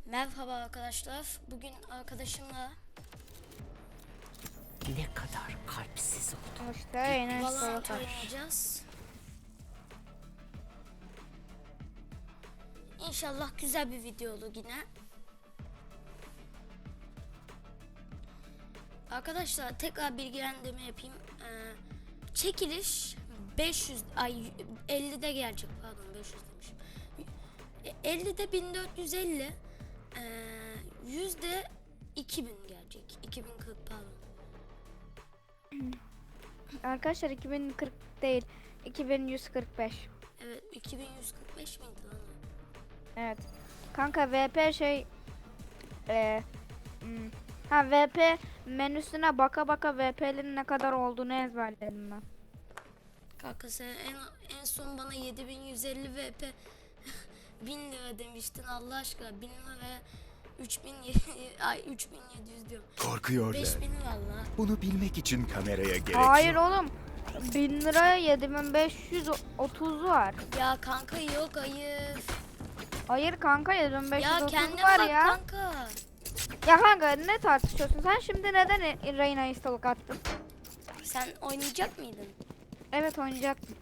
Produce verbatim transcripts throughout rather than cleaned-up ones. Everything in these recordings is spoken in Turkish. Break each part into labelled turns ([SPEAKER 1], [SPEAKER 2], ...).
[SPEAKER 1] Merhaba arkadaşlar. Bugün arkadaşımla
[SPEAKER 2] Ne kadar kalpsiz oldum.
[SPEAKER 3] İşte yine
[SPEAKER 1] Valorant
[SPEAKER 3] soğuk.
[SPEAKER 1] oynayacağız. İnşallah güzel bir video olur yine. Arkadaşlar tekrar bilgilendirme yapayım. Ee, çekiliş beş yüz ay ellide gelecek, pardon beş yüz demişim. ellide bin dört yüz elli, ee, yüzde iki bin gelecek. iki bin kırk pardon.
[SPEAKER 3] Arkadaşlar iki bin kırk değil, iki bin yüz kırk beş.
[SPEAKER 1] Evet, iki bin yüz kırk beş miydi lan?
[SPEAKER 3] Evet. Kanka V P şey e, hmm, ha V P menüsüne baka baka V P'lerin ne kadar olduğunu ezberledim ben.
[SPEAKER 1] Kanka sen en, en son bana yedi bin yüz elli V P bin lira demiştin Allah aşkına. bin lira üç bin ay üç bin yedi yüz diyorum.
[SPEAKER 4] Korkuyorlar.
[SPEAKER 1] beş bin valla.
[SPEAKER 4] Bunu bilmek için kameraya gerek
[SPEAKER 3] Hayır
[SPEAKER 4] yok.
[SPEAKER 3] oğlum. bin liraya yedi bin beş yüz otuz var.
[SPEAKER 1] Ya kanka yok hayır.
[SPEAKER 3] Hayır kanka yedi bin beş yüz
[SPEAKER 1] Ya
[SPEAKER 3] otuz
[SPEAKER 1] kendine
[SPEAKER 3] var
[SPEAKER 1] bak
[SPEAKER 3] ya.
[SPEAKER 1] kanka.
[SPEAKER 3] Ya kanka ne tartışıyorsun? Sen şimdi neden Reyna'yı stalk attın?
[SPEAKER 1] Sen oynayacak mıydın?
[SPEAKER 3] Evet oynayacaktım.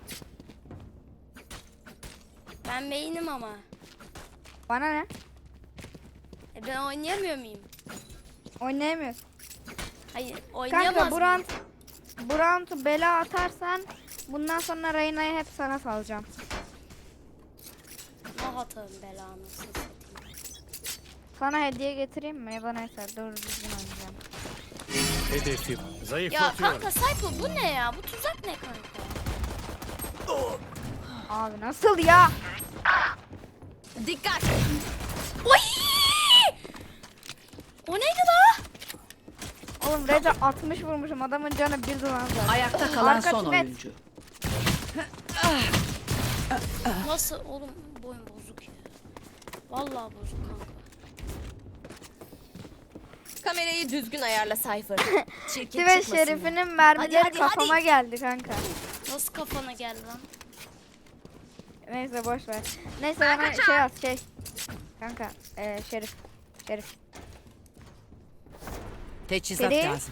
[SPEAKER 1] Ben beynim ama.
[SPEAKER 3] Bana ne?
[SPEAKER 1] E ben oynayamıyor muyum?
[SPEAKER 3] Oynayamıyorsun.
[SPEAKER 1] Hayır oynayamaz
[SPEAKER 3] Kanka bu
[SPEAKER 1] mıyım?
[SPEAKER 3] round, bu roundu bela atarsan bundan sonra Reyna'yı hep sana salacağım.
[SPEAKER 1] Ne atarım belanı satayım.
[SPEAKER 3] Sana hediye getireyim mi? Ya da neyse doğru düzgün oynayacağım.
[SPEAKER 5] Hedefim
[SPEAKER 1] Ya
[SPEAKER 5] zayıflatıyorum.
[SPEAKER 1] kanka Sayko bu ne ya? Bu tuzak ne kanka?
[SPEAKER 3] Abi nasıl ya?
[SPEAKER 2] Dikkat!
[SPEAKER 1] Oy! O neydi la?
[SPEAKER 3] Oğlum Reza altmış vurmuşum, adamın canı bir duman zaten.
[SPEAKER 2] Ayakta kalan
[SPEAKER 3] Arka
[SPEAKER 2] son
[SPEAKER 3] tibet.
[SPEAKER 2] oyuncu.
[SPEAKER 1] Nasıl oğlum boyun bozuk ya. Vallahi bozuk kanka.
[SPEAKER 2] Kamerayı düzgün ayarla Cypher. Çirkin
[SPEAKER 3] Tibet
[SPEAKER 2] çıkmasın
[SPEAKER 3] Şerif'inin mermileri
[SPEAKER 2] Hadi, hadi,
[SPEAKER 3] kafama
[SPEAKER 2] hadi.
[SPEAKER 3] geldi kanka.
[SPEAKER 1] Nasıl kafana geldi lan?
[SPEAKER 3] Neyse boş ver. Neyse bana şey at şey. Kanka ee, Şerif. Şerif.
[SPEAKER 2] Teçhizat
[SPEAKER 3] Seri.
[SPEAKER 2] lazım.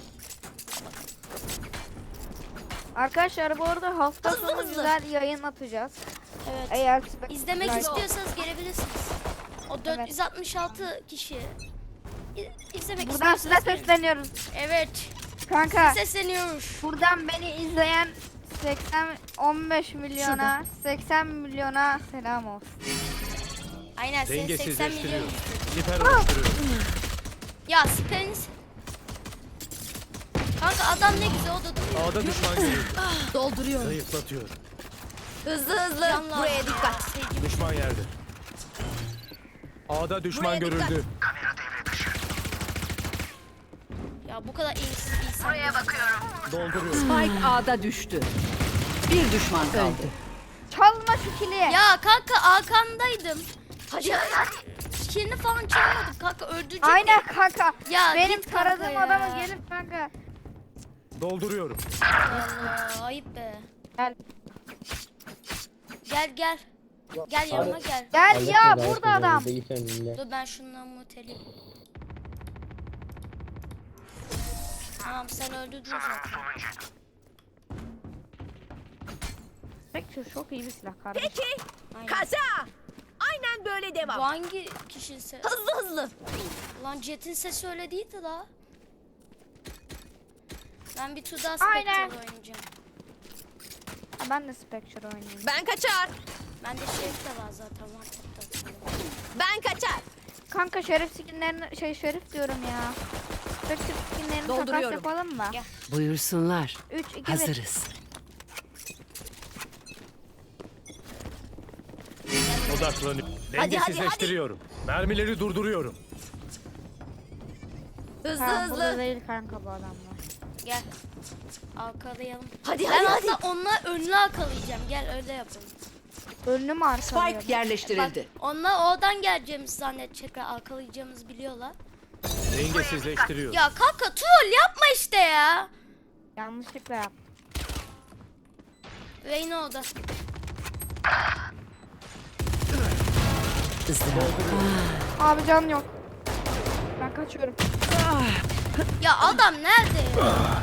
[SPEAKER 3] Arkadaşlar bu arada hafta
[SPEAKER 2] Hızlı,
[SPEAKER 3] sonu
[SPEAKER 2] hızlı.
[SPEAKER 3] güzel yayın atacağız.
[SPEAKER 1] Evet.
[SPEAKER 3] Eğer
[SPEAKER 1] İzlemek
[SPEAKER 3] Like-
[SPEAKER 1] istiyorsanız gelebilirsiniz. O dört yüz altmış altı kişi. İ- İzlemek
[SPEAKER 3] Buradan size
[SPEAKER 1] istiyorsanız gelin.
[SPEAKER 3] sesleniyoruz.
[SPEAKER 1] Evet.
[SPEAKER 3] Kanka
[SPEAKER 1] Sesleniyoruz.
[SPEAKER 3] buradan beni izleyen seksen on beş milyona seksen milyona selam olsun.
[SPEAKER 1] Aynen senin seksen milyon.
[SPEAKER 5] Dengesizleştiriyorum. Siper oluşturuyorum.
[SPEAKER 1] Ya Spence. Kanka adam ne güzel o da duruyor.
[SPEAKER 5] A'da düşman görüldü.
[SPEAKER 2] Dolduruyorum.
[SPEAKER 5] Zayıflatıyorum.
[SPEAKER 2] Hızlı hızlı.
[SPEAKER 1] Canlar.
[SPEAKER 2] Buraya dikkat.
[SPEAKER 1] Sevgili-
[SPEAKER 5] Düşman yerde. A'da düşman
[SPEAKER 2] Buraya dikkat.
[SPEAKER 5] görüldü.
[SPEAKER 1] Ya bu kadar iyisiz insan. Buraya bakıyorum.
[SPEAKER 5] Dolduruyorum.
[SPEAKER 6] Spike A'da düştü. Bir düşman kaldı.
[SPEAKER 3] Çalma şu kili.
[SPEAKER 1] Ya kanka arkandaydım. Hadi hadi. Kilini falan çalmadım kanka öldürecek.
[SPEAKER 3] Aynen kanka.
[SPEAKER 1] Ya
[SPEAKER 3] Benim
[SPEAKER 1] git kanka
[SPEAKER 3] taradığım
[SPEAKER 1] ya.
[SPEAKER 3] adamı gelip kanka.
[SPEAKER 5] Dolduruyorum.
[SPEAKER 1] Allah ayıp be.
[SPEAKER 3] Gel.
[SPEAKER 1] Gel gel. Gel yanıma gel.
[SPEAKER 3] Gel ya burada adam.
[SPEAKER 1] Dur ben şundan muteleyim. Tamam sen öldürdün zaten.
[SPEAKER 3] Peki çok iyi bir silah kardeşim.
[SPEAKER 2] Peki.
[SPEAKER 1] Aynen.
[SPEAKER 2] Kaza. Aynen böyle
[SPEAKER 1] Bu
[SPEAKER 2] devam.
[SPEAKER 1] hangi kişinin sesi?
[SPEAKER 2] Hızlı hızlı.
[SPEAKER 1] Lan Jet'in sesi öyle değildi la. Ben bir tur daha
[SPEAKER 3] Aynen.
[SPEAKER 1] Spectre oynayacağım.
[SPEAKER 3] Ha, ben de Spectre oynayayım.
[SPEAKER 2] Ben kaçar.
[SPEAKER 1] Bende Şerif de var zaten. One tap'ta atıyorum.
[SPEAKER 2] Ben kaçar.
[SPEAKER 3] Kanka Şerif skinlerini şey Şerif diyorum ya. Spectre skinlerini takas
[SPEAKER 2] Dolduruyorum.
[SPEAKER 3] yapalım mı?
[SPEAKER 1] Gel.
[SPEAKER 6] Buyursunlar.
[SPEAKER 3] üç iki bir.
[SPEAKER 6] Hazırız.
[SPEAKER 5] Odaklanıyorum.
[SPEAKER 2] hadi,
[SPEAKER 5] Dengesizleştiriyorum. Mermileri durduruyorum.
[SPEAKER 2] Hızlı
[SPEAKER 3] Ha, burada
[SPEAKER 2] hızlı.
[SPEAKER 3] değil kanka bu adamlar.
[SPEAKER 1] Gel. Arkalayalım.
[SPEAKER 2] Hadi
[SPEAKER 1] Ben
[SPEAKER 2] hadi hadi.
[SPEAKER 1] hatta onlar önüne arkalayacağım. Gel öyle yapalım.
[SPEAKER 3] Önünü mü arkalıyorum?
[SPEAKER 6] Spike yerleştirildi.
[SPEAKER 1] Onlar oradan geleceğimizi zannedecekler. Arkalayacağımızı biliyorlar.
[SPEAKER 5] Dengesizleştiriyorum.
[SPEAKER 1] Ya kanka troll yapma işte ya.
[SPEAKER 3] Yanlışlıkla yaptım.
[SPEAKER 1] Reyna orada.
[SPEAKER 6] Izdırap.
[SPEAKER 3] Abi can yok. Ben kaçıyorum.
[SPEAKER 1] Ya adam nerede ya?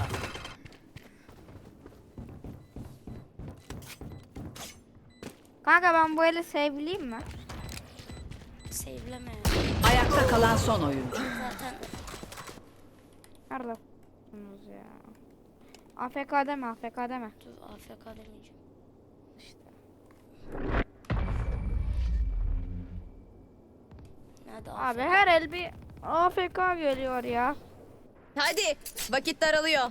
[SPEAKER 3] Kanka ben bu eli save'leyeyim mi?
[SPEAKER 1] Save'leme ya.
[SPEAKER 6] Ayakta kalan son oyuncu.
[SPEAKER 1] Zaten
[SPEAKER 3] Nerede f***sınız ya? A F K deme, A F K deme.
[SPEAKER 1] dur A F K demeyeceğim.
[SPEAKER 3] İşte.
[SPEAKER 1] Nerede
[SPEAKER 3] Abi
[SPEAKER 1] A F K?
[SPEAKER 3] her el bir A F K geliyor ya.
[SPEAKER 2] Hadi vakit daralıyor.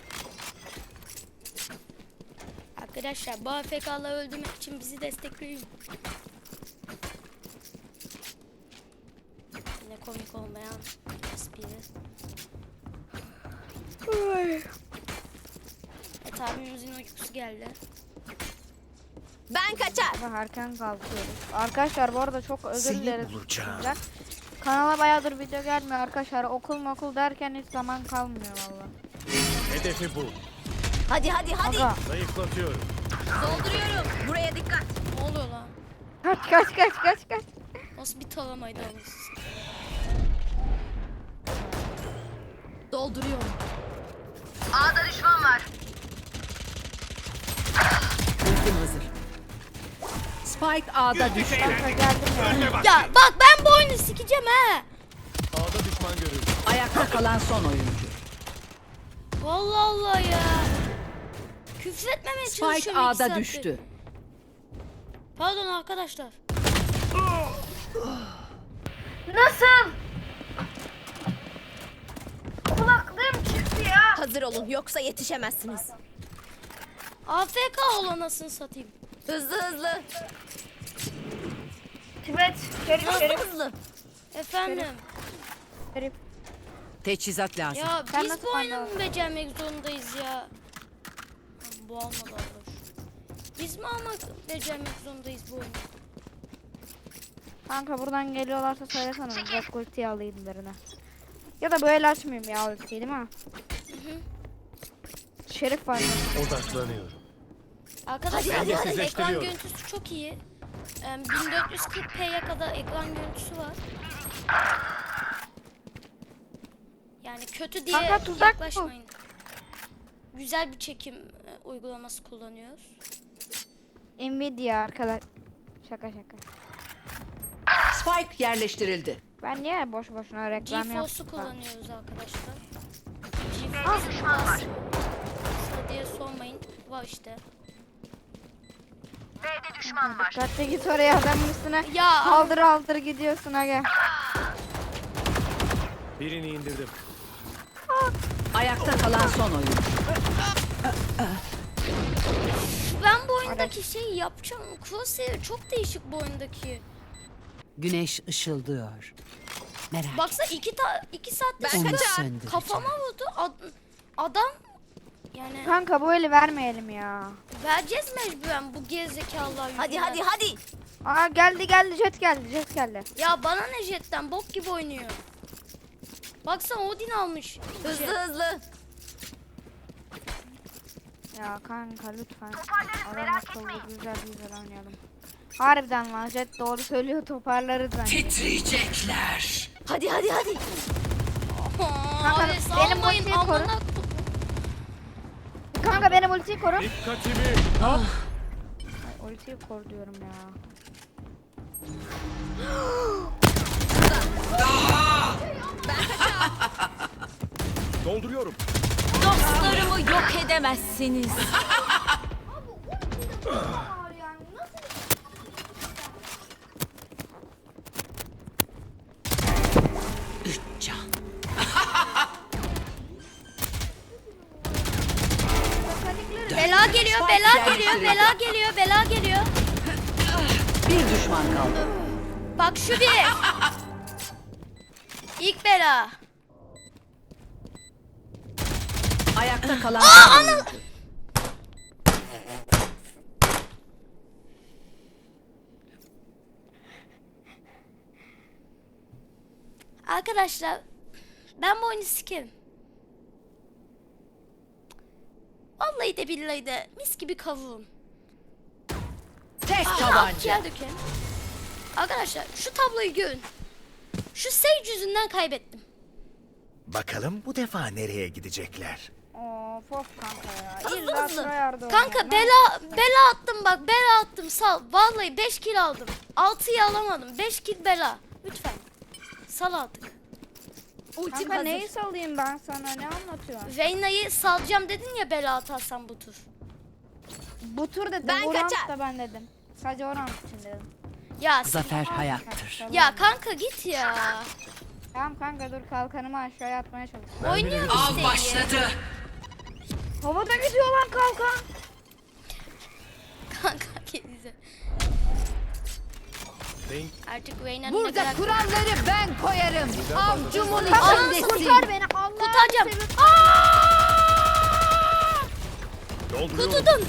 [SPEAKER 1] Arkadaşlar bu A F K'ları öldürmek için bizi destekleyin. Ne komik olmayan espri. Evet abimizin uykusu geldi.
[SPEAKER 2] Ben kaçar.
[SPEAKER 3] Sabah erken kalkıyoruz. Arkadaşlar bu arada çok özür
[SPEAKER 4] Seni
[SPEAKER 3] dileriz.
[SPEAKER 4] bulacağım.
[SPEAKER 3] sizden. Kanala bayağıdır video gelmiyor arkadaşlar. Okul okul derken hiç zaman kalmıyor valla.
[SPEAKER 5] Hedefi bu.
[SPEAKER 2] Hadi hadi hadi.
[SPEAKER 3] Aga
[SPEAKER 5] Zayıflatıyorum.
[SPEAKER 2] Dolduruyorum. Buraya dikkat.
[SPEAKER 1] Ne oluyor lan?
[SPEAKER 3] kaç kaç kaç kaç kaç.
[SPEAKER 1] Nasıl bir taramaydı anasız?
[SPEAKER 2] Dolduruyorum.
[SPEAKER 6] Ultim hazır. Spike A'da düştü.
[SPEAKER 3] Kanka geldim ya.
[SPEAKER 1] Ya bak ben bu oyunu sikeceğim he.
[SPEAKER 5] A'da düşman görüldü.
[SPEAKER 6] Ayakta kalan son oyuncu.
[SPEAKER 1] Vallahi Allah ya. Küfür etmemeye
[SPEAKER 6] Spike
[SPEAKER 1] çalışıyorum iki
[SPEAKER 6] A'da
[SPEAKER 1] saattir.
[SPEAKER 6] düştü.
[SPEAKER 1] Pardon arkadaşlar.
[SPEAKER 3] Nasıl? Kulaklığım çıktı ya.
[SPEAKER 2] Hazır olun yoksa yetişemezsiniz.
[SPEAKER 1] A F K ol anasını satayım.
[SPEAKER 2] Hızlı hızlı.
[SPEAKER 3] Tibet. Şerif
[SPEAKER 2] Hızlı
[SPEAKER 3] şerif.
[SPEAKER 2] hızlı.
[SPEAKER 1] Efendim.
[SPEAKER 3] Şerif.
[SPEAKER 6] Teçhizat lazım.
[SPEAKER 1] Ya
[SPEAKER 3] Sen
[SPEAKER 1] biz
[SPEAKER 3] nasıl
[SPEAKER 1] bu oyunu
[SPEAKER 3] anladın?
[SPEAKER 1] mu becermek zorundayız ya? Bu almadı Allah. Biz mi almak becermek zorundayız bu oyunu?
[SPEAKER 3] Kanka buradan geliyorlarsa söylesene. Bak ultiyi alayım birine. Ya da böyle açmayayım ya ultiyi değil mi? Şerif var.
[SPEAKER 5] Odaklanıyorum.
[SPEAKER 1] Arkadaşlar
[SPEAKER 2] Hadi,
[SPEAKER 1] bu
[SPEAKER 2] hadi,
[SPEAKER 1] arada ekran
[SPEAKER 5] eşleştiriyorum.
[SPEAKER 1] görüntüsü çok iyi. Em, bin dört yüz kırk p'ye kadar ekran görüntüsü var. Yani kötü diye
[SPEAKER 3] Kanka, tuzak bu.
[SPEAKER 1] yaklaşmayın. Güzel bir çekim e, uygulaması kullanıyoruz.
[SPEAKER 3] Nvidia arkadaş. Şaka şaka.
[SPEAKER 6] Spike yerleştirildi.
[SPEAKER 3] Ben niye boş boşuna reklam
[SPEAKER 1] GeForce'u
[SPEAKER 3] yaptım?
[SPEAKER 1] kullanıyoruz arkadaşlar. GeForce var diye sormayın. Var işte.
[SPEAKER 3] Dikkatli git oraya adamın üstüne.
[SPEAKER 1] Ya
[SPEAKER 3] Haldır haldır gidiyorsun aga.
[SPEAKER 5] Birini indirdim.
[SPEAKER 6] Ayakta kalan son oyuncu.
[SPEAKER 1] ben bu oyundaki şeyi yapacağım. Crosshair çok değişik bu oyundaki.
[SPEAKER 6] Güneş ışıldıyor. Merak
[SPEAKER 1] Baksana iki, ta iki saatte
[SPEAKER 2] Ben
[SPEAKER 1] şurada
[SPEAKER 6] kaçar. söndüreceğim.
[SPEAKER 1] kafama vurdu. Ad- adam yani
[SPEAKER 3] Kanka bu eli vermeyelim ya.
[SPEAKER 1] vereceğiz mecburen bu gerizekalılar
[SPEAKER 2] Hadi
[SPEAKER 1] yüzünden.
[SPEAKER 2] hadi hadi.
[SPEAKER 3] Aa geldi geldi jet geldi jet geldi.
[SPEAKER 1] Ya bana ne jetten bok gibi oynuyor. Baksana Odin almış.
[SPEAKER 2] Hızlı
[SPEAKER 1] Jet.
[SPEAKER 2] hızlı.
[SPEAKER 3] Ya kanka lütfen. Adam akıllı güzel güzel oynayalım. Harbiden lan jet doğru söylüyor toparlarız bence.
[SPEAKER 6] Titriyecekler.
[SPEAKER 2] Hadi hadi hadi.
[SPEAKER 1] Aa,
[SPEAKER 3] Kanka,
[SPEAKER 1] abi
[SPEAKER 3] benim
[SPEAKER 1] salmayın
[SPEAKER 3] ultiyi koru.
[SPEAKER 1] amına.
[SPEAKER 3] Kanka benim ultiyi koru.
[SPEAKER 5] Dikkatimi.
[SPEAKER 3] Ay, ultiyi koru diyorum ya.
[SPEAKER 4] Dolduruyorum.
[SPEAKER 2] Dostlarımı yok edemezsiniz.
[SPEAKER 6] Üç can.
[SPEAKER 1] Bela geliyor, bela geliyor, bela geliyor, bela geliyor.
[SPEAKER 6] Bir düşman kaldı.
[SPEAKER 1] Bak şu bir. İlk bela.
[SPEAKER 6] Ayakta kalan son oyuncu.
[SPEAKER 1] Arkadaşlar ben bu oyunu sikerim. Vallahi de billahi de mis gibi kavuğum.
[SPEAKER 6] Tek
[SPEAKER 1] Ah,
[SPEAKER 6] tabanca.
[SPEAKER 1] akciğer dökerim. Arkadaşlar şu tabloyu görün. Şu Sage yüzünden kaybettim.
[SPEAKER 4] Bakalım bu defa nereye gidecekler?
[SPEAKER 3] Of of kanka ya.
[SPEAKER 1] Hızlı
[SPEAKER 3] İlla
[SPEAKER 1] hızlı.
[SPEAKER 3] sıra yardım.
[SPEAKER 1] Kanka bela bela attım bak, bela attım, sal. Vallahi beş kill aldım. altıyı alamadım. beş kill bela. Lütfen. Sal artık.
[SPEAKER 2] Ultim
[SPEAKER 3] Kanka
[SPEAKER 2] hazır.
[SPEAKER 3] neyi salayım ben sana, ne anlatıyorsun?
[SPEAKER 1] Reyna'yı salacağım dedin ya, bela atarsan bu tur.
[SPEAKER 3] Bu tur dedim,
[SPEAKER 2] Ben
[SPEAKER 3] bu round
[SPEAKER 2] kaçar.
[SPEAKER 3] da ben dedim. Sadece o round için dedim.
[SPEAKER 1] Ya
[SPEAKER 6] Zafer hayattır.
[SPEAKER 1] ya kanka git ya.
[SPEAKER 3] Tamam kanka dur, kalkanımı aşağıya atmaya çalışıyorum.
[SPEAKER 5] Ben
[SPEAKER 1] Oynuyorum
[SPEAKER 5] bilirim.
[SPEAKER 1] işte iyi.
[SPEAKER 6] Başladı.
[SPEAKER 3] Havada gidiyor lan kalkan.
[SPEAKER 1] Kanka kendisi.
[SPEAKER 5] Denk
[SPEAKER 1] Artık Reyna'nın ne
[SPEAKER 6] Burada
[SPEAKER 1] kadar...
[SPEAKER 6] kuralları ben koyarım. Avcumun
[SPEAKER 1] Anasını
[SPEAKER 6] içindesin.
[SPEAKER 3] Kurtar beni Allah'ım.
[SPEAKER 1] Kurtaracağım.
[SPEAKER 3] seviyorum.
[SPEAKER 4] Dolduruyorum.
[SPEAKER 1] Kutudun.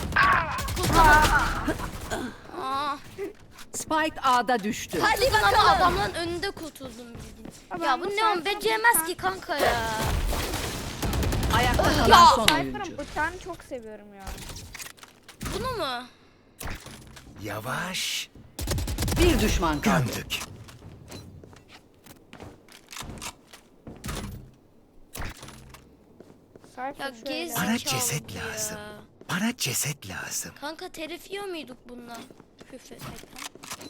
[SPEAKER 1] Aa,
[SPEAKER 6] Spike A'da düştü.
[SPEAKER 1] hadi ama adamların önünde kurtuldum bildiğin.
[SPEAKER 3] Ama
[SPEAKER 1] Ya
[SPEAKER 3] bu
[SPEAKER 1] bu ne
[SPEAKER 3] Cypher'ın
[SPEAKER 1] on beceremez
[SPEAKER 3] bıçağı-
[SPEAKER 1] ki kanka ya.
[SPEAKER 6] Ayakta
[SPEAKER 1] Ya.
[SPEAKER 6] kalan son
[SPEAKER 3] Cypher'ın
[SPEAKER 6] oyuncu.
[SPEAKER 3] bıçağını çok seviyorum ya.
[SPEAKER 1] Bunu mu?
[SPEAKER 4] Yavaş.
[SPEAKER 6] Bir düşman kaldı.
[SPEAKER 4] Gömdük.
[SPEAKER 3] Cypher
[SPEAKER 1] Ya
[SPEAKER 3] şöyle.
[SPEAKER 1] gez
[SPEAKER 4] Bana
[SPEAKER 1] zekalı
[SPEAKER 4] ceset
[SPEAKER 1] bu ya.
[SPEAKER 4] lazım. Bana ceset lazım.
[SPEAKER 1] Kanka telif yiyor muyduk bununla? Küfretmekten.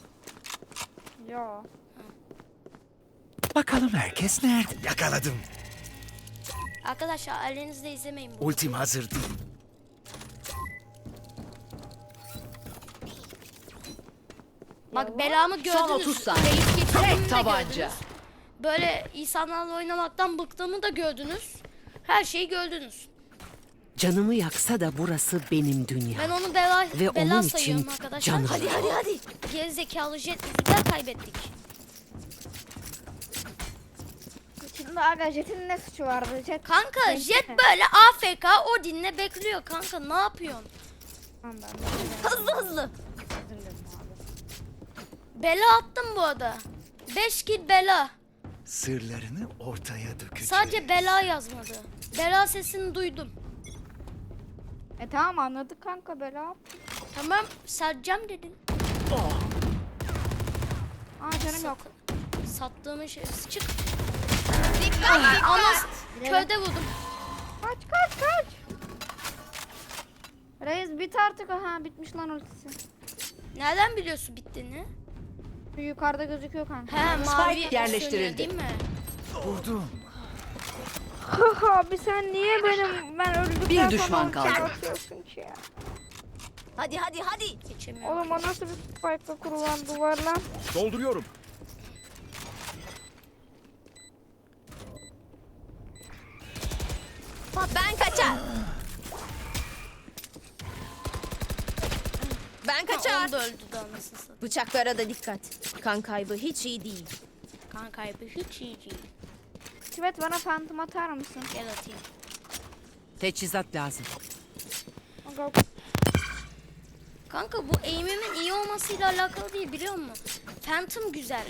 [SPEAKER 3] Yo.
[SPEAKER 4] Bakalım herkes nerede? Yakaladım.
[SPEAKER 1] Arkadaşlar elinizde izlemeyin bu.
[SPEAKER 4] Ultim hazır değil.
[SPEAKER 1] Bak belamı gördünüz.
[SPEAKER 6] Son otuz saniye.
[SPEAKER 1] Reis geçirdiğimi
[SPEAKER 6] Tek
[SPEAKER 1] de
[SPEAKER 6] tabanca.
[SPEAKER 1] gördünüz. Böyle insanlarla oynamaktan bıktığımı da gördünüz. Her şeyi gördünüz.
[SPEAKER 7] Canımı yaksa da burası benim dünya.
[SPEAKER 1] Ben onu bela,
[SPEAKER 7] Ve
[SPEAKER 1] bela
[SPEAKER 7] onun
[SPEAKER 1] sayıyorum
[SPEAKER 7] için
[SPEAKER 1] arkadaşlar.
[SPEAKER 7] canım.
[SPEAKER 1] Hadi hadi hadi. Gerizekalı jet yüzünden kaybettik.
[SPEAKER 3] Şimdi aga Jet'in ne suçu vardı? Jet.
[SPEAKER 1] Kanka
[SPEAKER 3] Neyse.
[SPEAKER 1] jet böyle A F K o dinle bekliyor kanka, ne yapıyorsun?
[SPEAKER 3] Tamam ben de.
[SPEAKER 2] Hızlı hızlı.
[SPEAKER 3] Özür dilerim abi.
[SPEAKER 1] Bela attım bu arada. beş kill bela.
[SPEAKER 4] Sırlarını ortaya dökeceğiz.
[SPEAKER 1] Sadece bela yazmadı. Bela sesini duydum.
[SPEAKER 3] E tamam anladık kanka, bela.
[SPEAKER 1] Tamam satacağım dedin.
[SPEAKER 3] Aa canım yok.
[SPEAKER 1] Sattığımın şey çık.
[SPEAKER 2] Dikkat dikkat.
[SPEAKER 1] Anas köyde buldum.
[SPEAKER 3] Kaç kaç kaç. Reis bit artık, ha bitmiş lan ultisi.
[SPEAKER 1] Nereden biliyorsun bittiğini?
[SPEAKER 3] Şu yukarıda gözüküyor kanka.
[SPEAKER 1] He mavi
[SPEAKER 6] yerleştirildi.
[SPEAKER 1] sönüyor değil mi?
[SPEAKER 4] Vurdum.
[SPEAKER 3] Abi sen niye benim ben öldükten
[SPEAKER 6] Bir düşman
[SPEAKER 3] sonra
[SPEAKER 6] kaldı.
[SPEAKER 3] ulti atıyorsun ki ya?
[SPEAKER 2] Hadi hadi hadi.
[SPEAKER 1] Geçemiyorum.
[SPEAKER 3] Oğlum o nasıl bir spike'la kurulan duvar lan?
[SPEAKER 4] Dolduruyorum.
[SPEAKER 2] Ben kaçar. Ben
[SPEAKER 1] Ha,
[SPEAKER 2] kaçar.
[SPEAKER 1] onu da öldü de anasını satayım.
[SPEAKER 2] Bıçaklara da dikkat. Kan kaybı hiç iyi değil.
[SPEAKER 1] Kan kaybı hiç iyi değil.
[SPEAKER 3] Tibet bana phantom atar mısın?
[SPEAKER 1] Gel atayım.
[SPEAKER 7] Teçhizat lazım.
[SPEAKER 3] Aga,
[SPEAKER 1] Kanka bu aim'imin iyi olmasıyla alakalı değil, biliyor musun? Phantom güzel.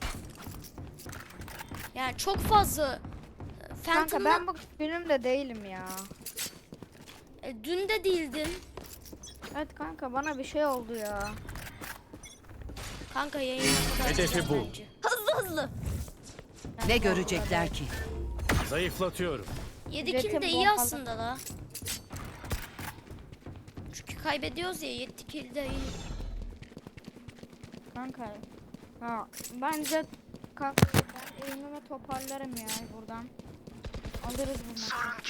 [SPEAKER 1] Yani çok fazla
[SPEAKER 3] Kanka
[SPEAKER 1] Phantom'la
[SPEAKER 3] ben bu günümde değilim ya.
[SPEAKER 1] e, dün de değildin.
[SPEAKER 3] Evet kanka bana bir şey oldu ya.
[SPEAKER 1] Kanka yayına kadar
[SPEAKER 5] Hedefi
[SPEAKER 1] güzel
[SPEAKER 5] bul.
[SPEAKER 1] bence.
[SPEAKER 2] Hızlı hızlı.
[SPEAKER 6] Ne görecekler ki?
[SPEAKER 5] zayıflatıyorum.
[SPEAKER 1] yedi
[SPEAKER 3] Jetim
[SPEAKER 1] kill de iyi
[SPEAKER 3] bombalı.
[SPEAKER 1] aslında la. Çünkü kaybediyoruz ya, yedi kill de iyi.
[SPEAKER 3] Kanka. Ha, bence kanka ben eğimimi toparlarım ya buradan. Alırız bunu.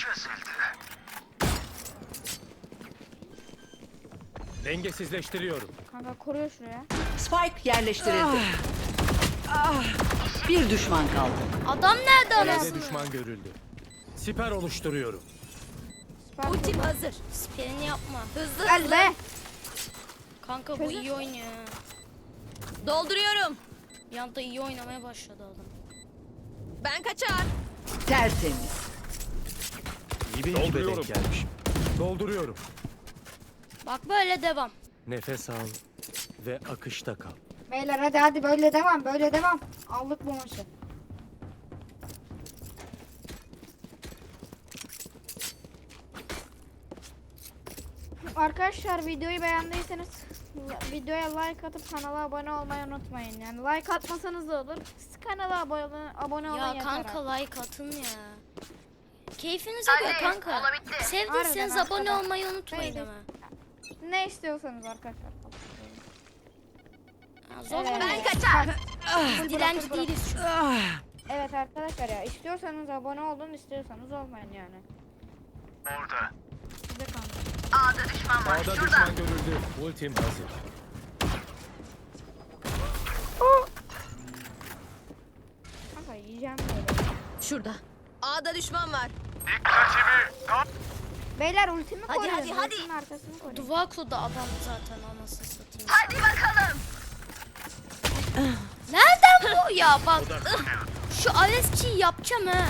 [SPEAKER 5] Dengesizleştiriyorum.
[SPEAKER 3] Kanka koruyor şuraya.
[SPEAKER 6] Spike yerleştirildi. Ah. Bir düşman kaldı.
[SPEAKER 1] Adam nerede
[SPEAKER 5] B'de
[SPEAKER 1] anasını?
[SPEAKER 5] düşman görüldü. Siper oluşturuyorum.
[SPEAKER 3] Süper.
[SPEAKER 2] Ultim hazır.
[SPEAKER 1] Sperini yapma.
[SPEAKER 2] Hızlı
[SPEAKER 3] Gel
[SPEAKER 2] hızlı.
[SPEAKER 3] be.
[SPEAKER 1] Kanka bu
[SPEAKER 3] Çözün.
[SPEAKER 1] iyi oynuyor. ha.
[SPEAKER 2] Dolduruyorum.
[SPEAKER 1] Bir anda iyi oynamaya başladı adam.
[SPEAKER 2] Ben kaçar.
[SPEAKER 6] Tertemiz.
[SPEAKER 5] İyi bir ekibe
[SPEAKER 4] Dolduruyorum.
[SPEAKER 5] denk gelmiş. Dolduruyorum.
[SPEAKER 1] Bak böyle devam.
[SPEAKER 5] Nefes al ve akışta kal.
[SPEAKER 3] Beyler hadi hadi böyle devam, böyle devam. Aldık bu maçı. Arkadaşlar videoyu beğendiyseniz videoya like atıp kanala abone olmayı unutmayın. Yani like atmasanız da olur. Sıkıntı kanala abone, abone olun
[SPEAKER 1] Ya
[SPEAKER 3] yeter.
[SPEAKER 1] kanka like atın ya. Keyfinize göre kanka. Sevdiyseniz
[SPEAKER 3] Harbiden
[SPEAKER 1] abone
[SPEAKER 3] arkadaş.
[SPEAKER 1] olmayı unutmayın
[SPEAKER 3] Neydi?
[SPEAKER 1] ama.
[SPEAKER 3] Ne istiyorsanız arkadaşlar.
[SPEAKER 1] Ha, zor
[SPEAKER 3] Evet.
[SPEAKER 1] ben
[SPEAKER 2] Kaçar.
[SPEAKER 1] kaç. Dilenci değiliz şu an.
[SPEAKER 3] Evet arkadaşlar ya istiyorsanız abone olun, istiyorsanız olmayın yani.
[SPEAKER 4] Orada.
[SPEAKER 3] Size kanka.
[SPEAKER 5] A'da düşman görüldü. Ultim hazır.
[SPEAKER 3] Kanka yiyeceğim böyle.
[SPEAKER 2] Şurada. A'da düşman var.
[SPEAKER 3] Beyler ultimi
[SPEAKER 2] Hadi,
[SPEAKER 3] koruyun.
[SPEAKER 2] hadi, hadi.
[SPEAKER 3] Ultimin arkasını koruyun.
[SPEAKER 1] Duvako'da adam zaten anasını satayım.
[SPEAKER 2] Hadi bakalım.
[SPEAKER 1] Nereden bu ya bak. Şu Alesçi'yi yapacağım ha.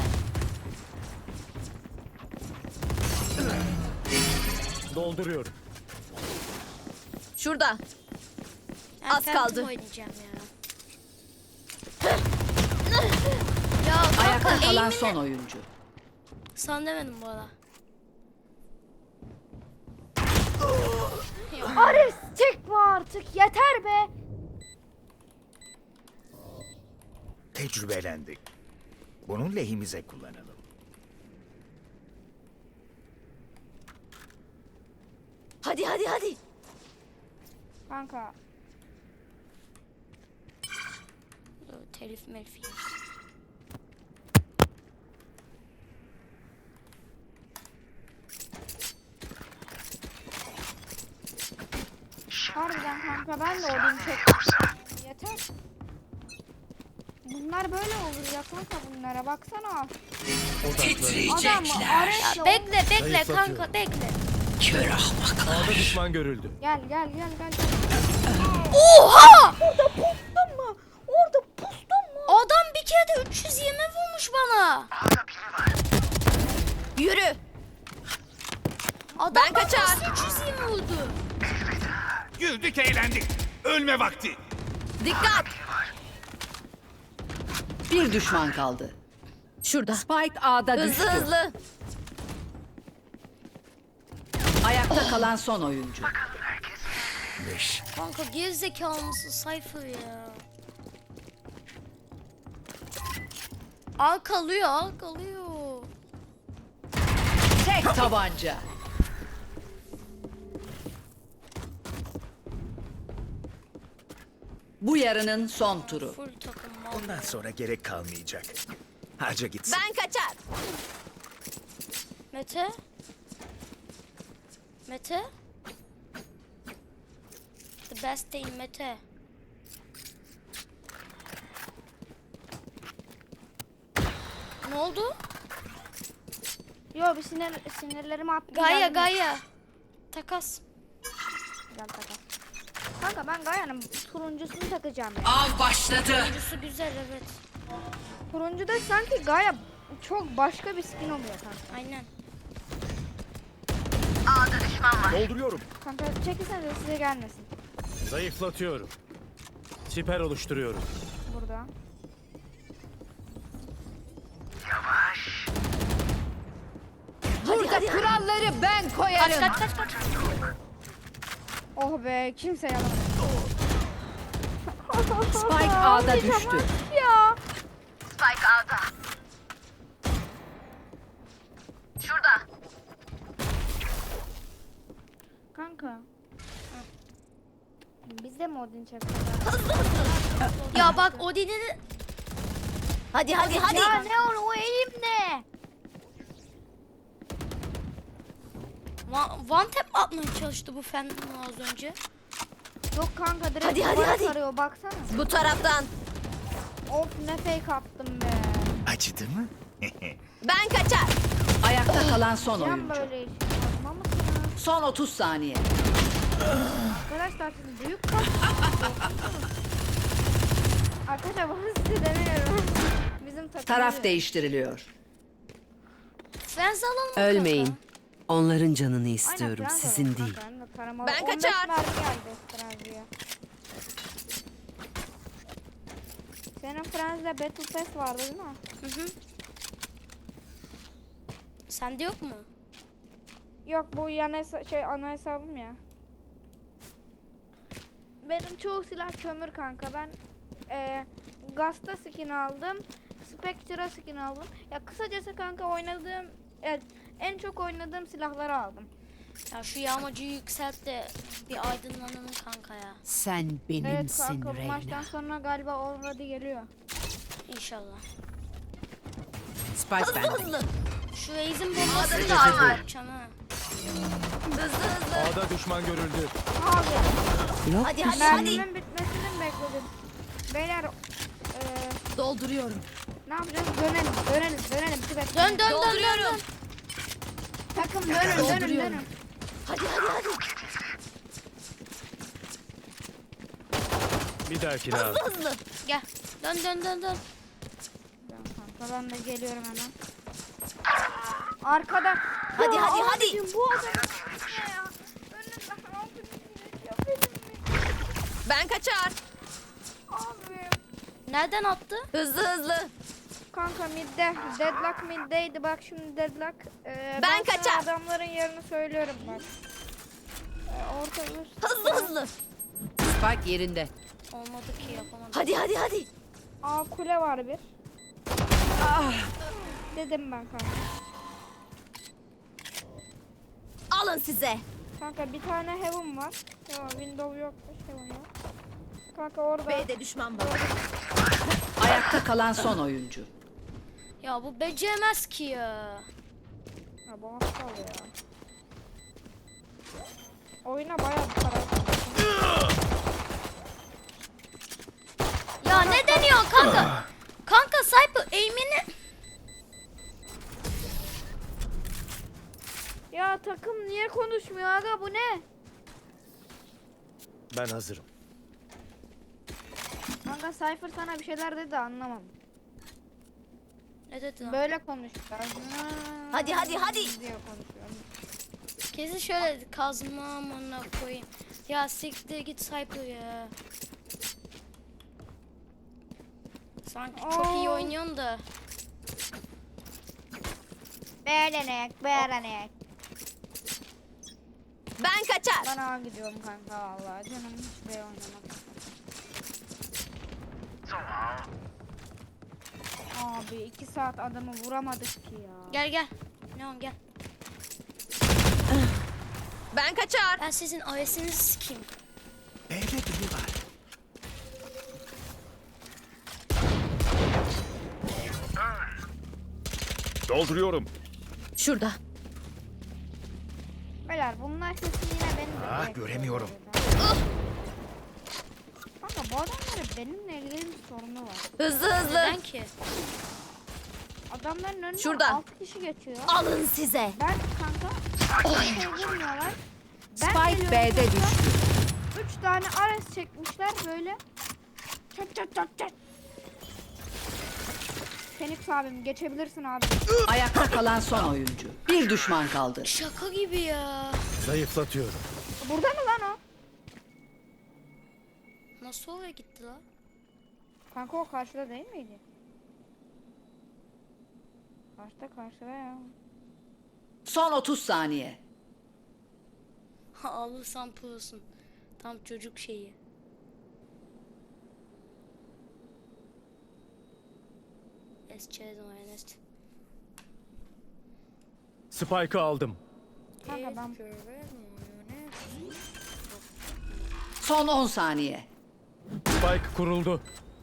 [SPEAKER 5] Dolduruyorum.
[SPEAKER 2] Şurada.
[SPEAKER 1] Ben
[SPEAKER 2] Az
[SPEAKER 1] Phantom
[SPEAKER 2] kaldı.
[SPEAKER 1] oynayacağım ya. Ya kanka
[SPEAKER 6] Ayakta kalan
[SPEAKER 1] eğimini-
[SPEAKER 6] son oyuncu.
[SPEAKER 1] Sana demedim bu arada.
[SPEAKER 3] Ares çekme artık yeter be.
[SPEAKER 4] Tecrübelendik. Bunu lehimize kullanalım.
[SPEAKER 2] Hadi hadi hadi.
[SPEAKER 3] Kanka
[SPEAKER 1] Dur, telif melif yeriz.
[SPEAKER 3] harbiden kanka ben de olayım çek. Yeter. Bunlar böyle olur ya kanka bunlara baksana. Adam Ares
[SPEAKER 1] Ya bekle bekle
[SPEAKER 5] Zayıflatıyorum.
[SPEAKER 1] kanka bekle.
[SPEAKER 7] Kör ahmaklar.
[SPEAKER 5] A'da düşman görüldü.
[SPEAKER 3] gel gel gel gel.
[SPEAKER 1] Oha!
[SPEAKER 3] Orada pustun mu? Orada pustun mu?
[SPEAKER 1] Adam bir kere de üç yüz yirmi vurmuş bana.
[SPEAKER 2] Yürü.
[SPEAKER 1] Adam
[SPEAKER 2] Ben
[SPEAKER 1] bana
[SPEAKER 2] kaçar.
[SPEAKER 1] nasıl üç yüz yirmi vurdu?
[SPEAKER 4] Güldük eğlendik. Ölme vakti.
[SPEAKER 2] Dikkat.
[SPEAKER 6] Bir düşman kaldı.
[SPEAKER 2] Şurada.
[SPEAKER 6] Spike A'da düştü.
[SPEAKER 2] Hızlı hızlı.
[SPEAKER 6] Ayakta kalan son oyuncu.
[SPEAKER 4] Beş.
[SPEAKER 1] Kanka gerizekalı mısın Cypher ya? Al kalıyor al kalıyor.
[SPEAKER 6] Tek tabanca. Bu yarının son turu.
[SPEAKER 1] Full takım mal.
[SPEAKER 4] Bundan sonra gerek kalmayacak. Harca gitsin.
[SPEAKER 2] Ben kaçar.
[SPEAKER 1] Mete? Mete? The best day Mete. Ne oldu?
[SPEAKER 3] Yo bir sinir sinirlerimi attım.
[SPEAKER 1] Gaia
[SPEAKER 3] geldim.
[SPEAKER 1] Gaia. Takas.
[SPEAKER 3] Gel takas. Kanka ben Gaia'nın turuncusunu takacağım ya.
[SPEAKER 6] Av başladı.
[SPEAKER 1] Oyuncusu güzel evet.
[SPEAKER 3] Turuncuda sanki Gaia çok başka bir skin oluyor kanka.
[SPEAKER 1] Aynen.
[SPEAKER 5] Dolduruyorum.
[SPEAKER 3] Kanka çekilsenize size gelmesin.
[SPEAKER 5] Zayıflatıyorum. Siper oluşturuyorum.
[SPEAKER 3] Burada.
[SPEAKER 2] Hadi hadi.
[SPEAKER 6] Kuralları ben
[SPEAKER 1] Kaç
[SPEAKER 6] koyarım.
[SPEAKER 1] kaç kaç kaç.
[SPEAKER 3] Oh be kimse yalan.
[SPEAKER 6] Spike A'da düştü.
[SPEAKER 3] Ya.
[SPEAKER 2] Spike A'da. Şurada.
[SPEAKER 3] Kanka. Biz de mi Odin çakacağız?
[SPEAKER 1] Ya bak Odin'i
[SPEAKER 2] Hadi hadi hadi.
[SPEAKER 3] Ya ne o, o eğim ne?
[SPEAKER 1] One, one tap atmaya çalıştı bu Phantom az önce.
[SPEAKER 3] Yok kanka direkt
[SPEAKER 2] Hadi, hadi,
[SPEAKER 3] duvara
[SPEAKER 2] hadi.
[SPEAKER 3] sarıyor baksana.
[SPEAKER 2] Bu taraftan.
[SPEAKER 3] Of ne fake attım be.
[SPEAKER 4] Acıdı mı?
[SPEAKER 2] Ben kaçar.
[SPEAKER 6] Ayakta kalan son
[SPEAKER 3] Can
[SPEAKER 6] oyuncu.
[SPEAKER 3] böyle iş yapma mısınız?
[SPEAKER 6] Son otuz saniye.
[SPEAKER 3] Arkadaşlar siz büyük kaç. Arkadaşlar bunu size demiyorum. Bizim takım.
[SPEAKER 6] Taraf değiştiriliyor.
[SPEAKER 1] Frenzy alalım mı
[SPEAKER 7] Ölmeyin.
[SPEAKER 1] kanka?
[SPEAKER 7] Onların canını
[SPEAKER 3] Aynen,
[SPEAKER 7] istiyorum,
[SPEAKER 3] Fransa
[SPEAKER 7] sizin
[SPEAKER 3] var
[SPEAKER 7] değil.
[SPEAKER 3] kanka, hem de taramalı.
[SPEAKER 2] Ben
[SPEAKER 3] on beş
[SPEAKER 2] kaçar.
[SPEAKER 3] mermi geldi Fransa'ya. Senin Fransa'da Battle Pass vardı değil mi?
[SPEAKER 1] Hı hı. Sende yok mu?
[SPEAKER 3] Yok bu yan hesa- şey ana hesabım ya. Benim çoğu silah kömür kanka. Ben eee Gasta skin aldım. Spectre'a skin aldım. Ya kısacası kanka oynadığım evet, en çok oynadığım silahları aldım.
[SPEAKER 1] Ya şu yağmacıyı yükselt de bir aydınlanalım kanka ya.
[SPEAKER 7] Sen
[SPEAKER 3] Evet
[SPEAKER 7] benimsin
[SPEAKER 3] kanka bu
[SPEAKER 7] Reyna.
[SPEAKER 3] maçtan sonra galiba already geliyor.
[SPEAKER 1] İnşallah.
[SPEAKER 7] Spike bende.
[SPEAKER 2] Hızlı.
[SPEAKER 1] Şu Raze'in bombasını
[SPEAKER 5] Hedef
[SPEAKER 1] da
[SPEAKER 5] hedef.
[SPEAKER 1] yapacağım ha.
[SPEAKER 2] Hızlı hızlı.
[SPEAKER 5] A'da düşman görüldü.
[SPEAKER 3] Abi
[SPEAKER 7] Yok
[SPEAKER 2] Hadi
[SPEAKER 7] bir
[SPEAKER 2] hadi
[SPEAKER 7] şey.
[SPEAKER 2] hadi.
[SPEAKER 3] mermimin bitmesini mi bekledim? Beyler eee
[SPEAKER 2] Dolduruyorum.
[SPEAKER 3] ne yapacağız? Dönelim, dönelim, dönelim. Tibet.
[SPEAKER 1] Dön dön dön dön.
[SPEAKER 2] Dolduruyorum.
[SPEAKER 1] dön.
[SPEAKER 3] Takım dönün, dönün,
[SPEAKER 2] Dolduruyorum.
[SPEAKER 3] dönün.
[SPEAKER 2] Hadi hadi hadi.
[SPEAKER 5] Bir dahakine abi.
[SPEAKER 2] Hızlı hızlı.
[SPEAKER 1] Gel. Dön dön dön dön.
[SPEAKER 3] Ben kanka ben de geliyorum hemen. Arkada.
[SPEAKER 2] Hadi,
[SPEAKER 3] Ya
[SPEAKER 2] hadi, hadi.
[SPEAKER 3] abicim, bu adam ne ya? Önünden altı bir şey yapayım mı?
[SPEAKER 2] Ben kaçar.
[SPEAKER 3] Abi.
[SPEAKER 1] Nereden attı?
[SPEAKER 2] Hızlı hızlı.
[SPEAKER 3] Kanka midde. Deadlock middeydi. Bak şimdi deadlock. Ee,
[SPEAKER 2] Ben
[SPEAKER 3] sana
[SPEAKER 2] kaçar.
[SPEAKER 3] adamların yerini söylüyorum bak. Ee, orta üst.
[SPEAKER 2] Hızlı hızlı.
[SPEAKER 7] Spike yerinde.
[SPEAKER 1] Olmadı ki yapamadım.
[SPEAKER 2] Hadi hadi hadi.
[SPEAKER 3] Aa kule var bir. Dedim ben kanka.
[SPEAKER 2] Alın size.
[SPEAKER 3] Kanka bir tane heaven var. Ya window yokmuş, heaven yok. Kanka orada.
[SPEAKER 2] B'de düşman var.
[SPEAKER 6] Ayakta kalan son oyuncu.
[SPEAKER 1] Ya bu beceremez ki ya.
[SPEAKER 3] Ya bu aptal ya. Oyuna bayağı bir para harcadım.
[SPEAKER 1] Ya ne deniyor kanka? Kanka Cypher aim'ini...
[SPEAKER 3] Ya takım niye konuşmuyor aga, bu ne?
[SPEAKER 5] Ben hazırım.
[SPEAKER 3] Kanka Cypher sana bir şeyler dedi, anlamam.
[SPEAKER 1] Ne dedi lan?
[SPEAKER 3] Böyle konuşuyor.
[SPEAKER 2] Hadi, hadi, hadi.
[SPEAKER 3] Diye konuşuyor.
[SPEAKER 1] Kesin şöyle dedi. Kazma amına koyayım. Ya siktir git Cypher ya. Sanki çok iyi
[SPEAKER 3] Oo.
[SPEAKER 1] oynuyorsun da.
[SPEAKER 3] Beğenek, beğenek.
[SPEAKER 2] Ben kaçar.
[SPEAKER 3] Ben ağa gidiyorum kanka vallahi. Canım hiç B oynamak istemiyor. Abi iki saat adamı vuramadık ki ya.
[SPEAKER 1] Gel gel. Neon gel.
[SPEAKER 2] Ben kaçar.
[SPEAKER 1] Ben sizin A W S'inizi sikeyim.
[SPEAKER 4] B'de biri var.
[SPEAKER 5] Dolduruyorum.
[SPEAKER 2] Şurada.
[SPEAKER 3] Beyler bunlar kesin yine beni de
[SPEAKER 4] Ah,
[SPEAKER 3] bekliyor
[SPEAKER 4] göremiyorum.
[SPEAKER 3] burada. Kanka bu adamların benimle ilgili bir sorunu var.
[SPEAKER 2] Hızlı hızlı.
[SPEAKER 1] Neden ki?
[SPEAKER 3] Adamların önünden
[SPEAKER 2] Şurada.
[SPEAKER 3] altı kişi geçiyor.
[SPEAKER 2] Alın size.
[SPEAKER 3] Ben kanka bir şey bilmiyorlar. Ben
[SPEAKER 6] Spike
[SPEAKER 3] geliyorum
[SPEAKER 6] B'de
[SPEAKER 3] kanka,
[SPEAKER 6] düştü.
[SPEAKER 3] Üç tane Ares çekmişler böyle. Çat çat çat çat. Phoenix abim geçebilirsin abi.
[SPEAKER 6] Ayakta kalan son oyuncu. Bir düşman kaldı.
[SPEAKER 1] Şaka gibi ya.
[SPEAKER 5] Zayıflatıyorum.
[SPEAKER 3] Burada mı lan o?
[SPEAKER 1] Nasıl oraya gitti lan?
[SPEAKER 3] Kanka o karşıda değil miydi? Karşıda karşıda ya.
[SPEAKER 6] Son otuz saniye.
[SPEAKER 1] Ha alırsan pırılsın. Tam çocuk şeyi. Esçez Ernest.
[SPEAKER 5] Spike'ı aldım.
[SPEAKER 3] Kanka ben
[SPEAKER 6] Son on saniye.
[SPEAKER 5] Spike kuruldu.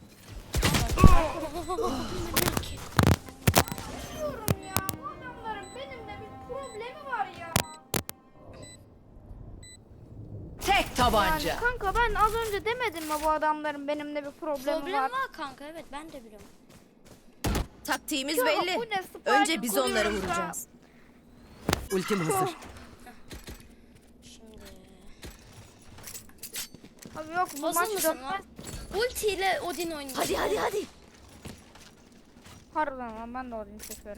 [SPEAKER 3] diyorum ya, bu adamların benimle bir problemi var ya.
[SPEAKER 6] Tek
[SPEAKER 3] Yani
[SPEAKER 6] tabanca.
[SPEAKER 3] kanka ben az önce demedim mi bu adamların benimle bir problemi
[SPEAKER 1] Problem
[SPEAKER 3] var.
[SPEAKER 1] var kanka, evet ben de biliyorum.
[SPEAKER 2] Taktiğimiz
[SPEAKER 3] Ya
[SPEAKER 2] belli.
[SPEAKER 3] bu ne, Spike
[SPEAKER 2] Önce biz onları
[SPEAKER 3] kuruyoruz ya.
[SPEAKER 2] vuracağız.
[SPEAKER 7] Ultim hazır.
[SPEAKER 1] Şimdi.
[SPEAKER 3] Abi yok bu
[SPEAKER 1] Hazır
[SPEAKER 3] maç
[SPEAKER 1] mısın
[SPEAKER 3] dönmez.
[SPEAKER 1] lan? Ulti ile Odin oynayacak.
[SPEAKER 2] Hadi hadi hadi.
[SPEAKER 3] Harbiden lan ben de Odin çekiyorum.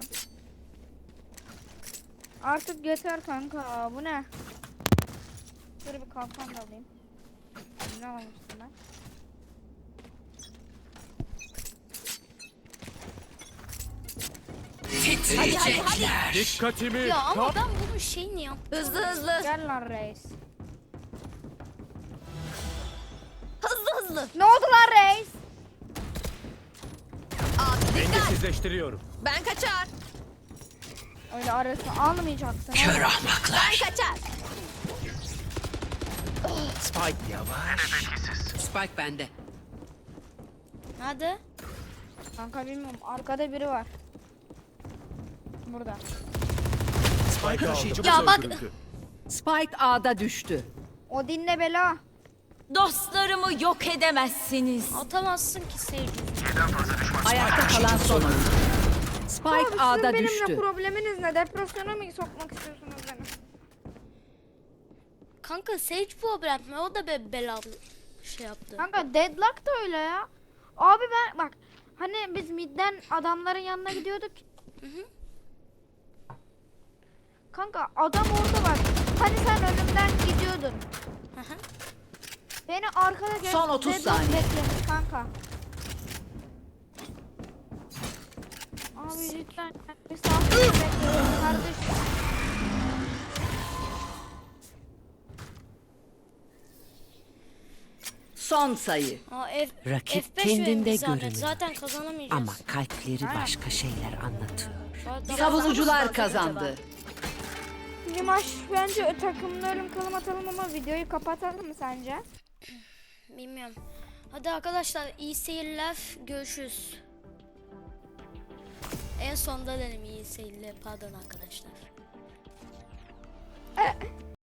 [SPEAKER 3] Artık yeter kanka, bu ne? Şöyle bir kalkan da alayım. Ne almıştım ben?
[SPEAKER 2] Hadi hadi hadi.
[SPEAKER 5] Dikkatimi.
[SPEAKER 1] Ya ama
[SPEAKER 5] kap-
[SPEAKER 1] ben bunun şeyini yap.
[SPEAKER 2] Hızlı hızlı.
[SPEAKER 3] Gel lan reis.
[SPEAKER 2] Hızlı hızlı.
[SPEAKER 3] Ne oldu lan reis?
[SPEAKER 5] Dengesizleştiriyorum.
[SPEAKER 2] Ben kaçar.
[SPEAKER 3] Öyle arasını almayacaksın.
[SPEAKER 7] Kör ahmaklar.
[SPEAKER 2] Ben kaçar.
[SPEAKER 4] Spike yavaş.
[SPEAKER 7] Spike bende.
[SPEAKER 1] Hadi.
[SPEAKER 3] Kanka bilmiyorum. Arkada biri var. Burada.
[SPEAKER 4] Spike taşıyıcımız
[SPEAKER 1] Ya bak-
[SPEAKER 4] öldürüldü.
[SPEAKER 6] Spike A'da düştü.
[SPEAKER 3] O dinle bela.
[SPEAKER 8] Dostlarımı yok edemezsiniz.
[SPEAKER 1] Atamazsın ki Sage.
[SPEAKER 6] Ayakta kalan son oyuncu.
[SPEAKER 3] Abi
[SPEAKER 6] Spike
[SPEAKER 3] sizin
[SPEAKER 6] A'da
[SPEAKER 3] benimle
[SPEAKER 6] düştü.
[SPEAKER 3] probleminiz ne? Depresyona mı sokmak istiyorsunuz beni?
[SPEAKER 1] Kanka Sage problem mi? O da be belalı şey yaptı.
[SPEAKER 3] Kanka Deadlock da öyle ya. Abi ben bak hani biz midden adamların yanına gidiyorduk. Kanka adam orada bak. Hani sen önümden gidiyordun.
[SPEAKER 1] Hı hı.
[SPEAKER 3] Beni arkada gel.
[SPEAKER 6] Son otuz
[SPEAKER 3] Deadlock
[SPEAKER 6] saniye.
[SPEAKER 3] beklemiş kanka. Abi lütfen bir saat bekliyorum kardeşim.
[SPEAKER 6] Son sayı.
[SPEAKER 1] Aa, F,
[SPEAKER 7] Rakip
[SPEAKER 1] F beş
[SPEAKER 7] kendinde
[SPEAKER 1] verin zahmet.
[SPEAKER 7] görünür.
[SPEAKER 1] Zaten kazanamayacağız.
[SPEAKER 7] Ama kalpleri başka şeyler anlatıyor.
[SPEAKER 1] Zaten-
[SPEAKER 6] Savunucular kazandı.
[SPEAKER 3] Limaş bence takımda ölüm kalım atalım ama videoyu kapatalım mı sence?
[SPEAKER 1] Bilmiyorum. Hadi arkadaşlar iyi seyirler. Görüşürüz. En sonda dedim iyi seyirler. Pardon arkadaşlar.